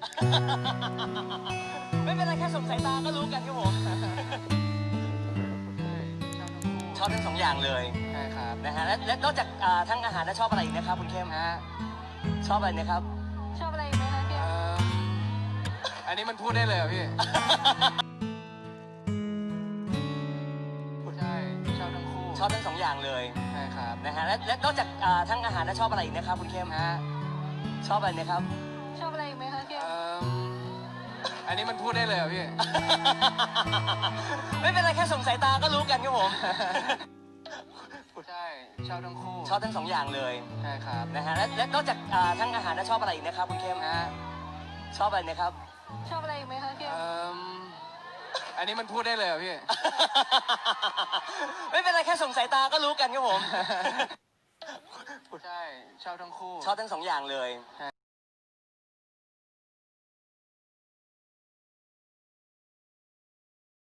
ไม่เป็นไรแค่สงสายตาก็รู้กันครับผมชอบทั้งสองอย่างเลยใช่ครับนะฮะและนอกจากทั้งอาหารแล้วชอบอะไรอีกนะครับคุณเข้มฮะชอบอะไรนะครับชอบอะไรอีกไหมคะเข้มอันนี้มันพูดได้เลยเหรอพี่ ใช่ชอบทั้งคู่ชอบทั้งสองอย่างเลยใช่ครับนะฮะและนอกจากทั้งอาหารแล้วชอบอะไรอีกนะครับคุณเข้มฮะชอบอะไรนะครับชอบอะไรอีกไหมคะเข้มอันนี้มันพูดได้เลยเหรอพี่ไม่เป็นไรแค่สงสายตาก็รู้กันครับผมใช่ชอบทั้งคู่ชอบทั้งสองอย่างเลยใช่ครับนะฮะและนอกจากทั้งอาหารแล้วชอบอะไรอีกนะครับคุณเข้มฮะชอบอะไรนะครับชอบอะไรอีกไหมคะเข้มอันนี้มันพูดได้เลยเหรอพี่ไม่เป็นไรแค่สงสายตาก็รู้กันครับผมใช่ชอบทั้งคู่ชอบทั้งสองอย่างเลยใช่